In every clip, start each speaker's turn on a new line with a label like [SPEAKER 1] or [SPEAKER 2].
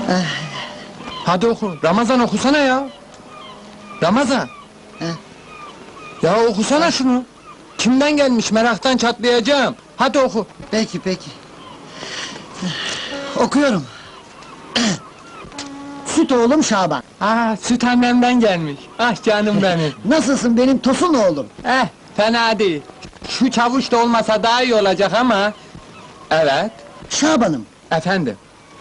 [SPEAKER 1] Hadi oku. Ramazan okusana ya. Ramazan. Ya okusana şunu. Kimden gelmiş, meraktan çatlayacağım. Hadi oku.
[SPEAKER 2] Peki, peki. Okuyorum. Süt oğlum Şaban.
[SPEAKER 1] Süt annemden gelmiş. Ah canım benim.
[SPEAKER 2] Nasılsın benim tosun oğlum?
[SPEAKER 1] Fena değil. Şu çavuş da olmasa daha iyi olacak ama... Evet,
[SPEAKER 2] Şaban'ım,
[SPEAKER 1] efendim.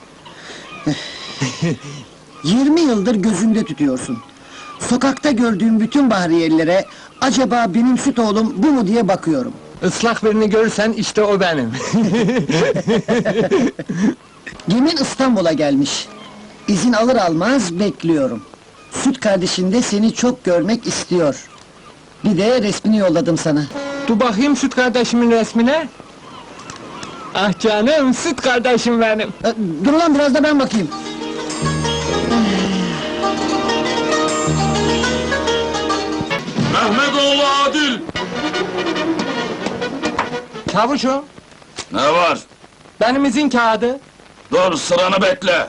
[SPEAKER 2] 20 yıldır gözünde tutuyorsun. Sokakta gördüğüm bütün bahriyelilere... ...acaba benim süt oğlum bu mu diye bakıyorum.
[SPEAKER 1] Islak birini görürsen işte o benim.
[SPEAKER 2] Gemin İstanbul'a gelmiş. İzin alır almaz bekliyorum. Süt kardeşin de seni çok görmek istiyor. Bir de resmini yolladım sana.
[SPEAKER 1] Dur bakayım süt kardeşimin resmine. Ah canım, süt kardeşim benim.
[SPEAKER 2] Dur lan biraz da ben bakayım.
[SPEAKER 3] Mehmetoğlu Adil!
[SPEAKER 1] Çavuşum,
[SPEAKER 3] Ne var?
[SPEAKER 1] benim izin kağıdı.
[SPEAKER 3] Dur, sıranı bekle!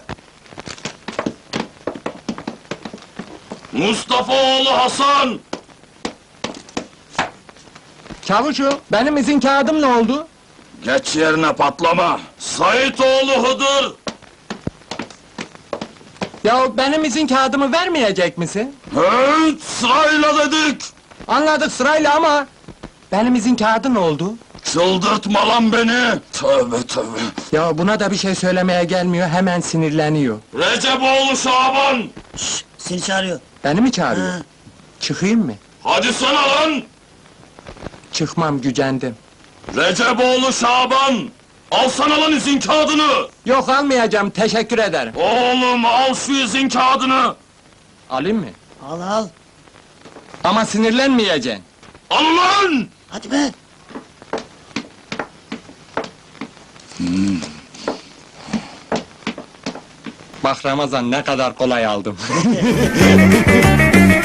[SPEAKER 3] Mustafaoğlu Hasan!
[SPEAKER 1] Çavuşum, benim izin kağıdım ne oldu?
[SPEAKER 3] Geç yerine patlama! Saitoğlu Hıdır!
[SPEAKER 1] Ya benim izin kağıdımı vermeyecek misin?
[SPEAKER 3] Evet, sırayla dedik!
[SPEAKER 1] Anladık sırayla ama... Benim izin kağıdı ne oldu?
[SPEAKER 3] Çıldırtma lan beni! Tövbe tövbe!
[SPEAKER 1] Ya buna da bir şey söylemeye gelmiyor, hemen sinirleniyor.
[SPEAKER 3] Receboğlu Şaban!
[SPEAKER 2] Seni çağırıyor.
[SPEAKER 1] Beni mi çağırıyor?
[SPEAKER 2] Ha.
[SPEAKER 1] Çıkayım mı?
[SPEAKER 3] Hadi sana lan!
[SPEAKER 1] Çıkmam, gücendim.
[SPEAKER 3] Receboğlu Şaban! Alsana lan izin kağıdını!
[SPEAKER 1] Yok almayacağım, teşekkür ederim.
[SPEAKER 3] Oğlum al şu izin kağıdını!
[SPEAKER 1] Alayım mı?
[SPEAKER 2] Al al.
[SPEAKER 1] Ama sinirlenmeyeceksin.
[SPEAKER 3] Al lan!
[SPEAKER 2] Hadi be.
[SPEAKER 1] Bak Ramazan, ne kadar kolay aldım.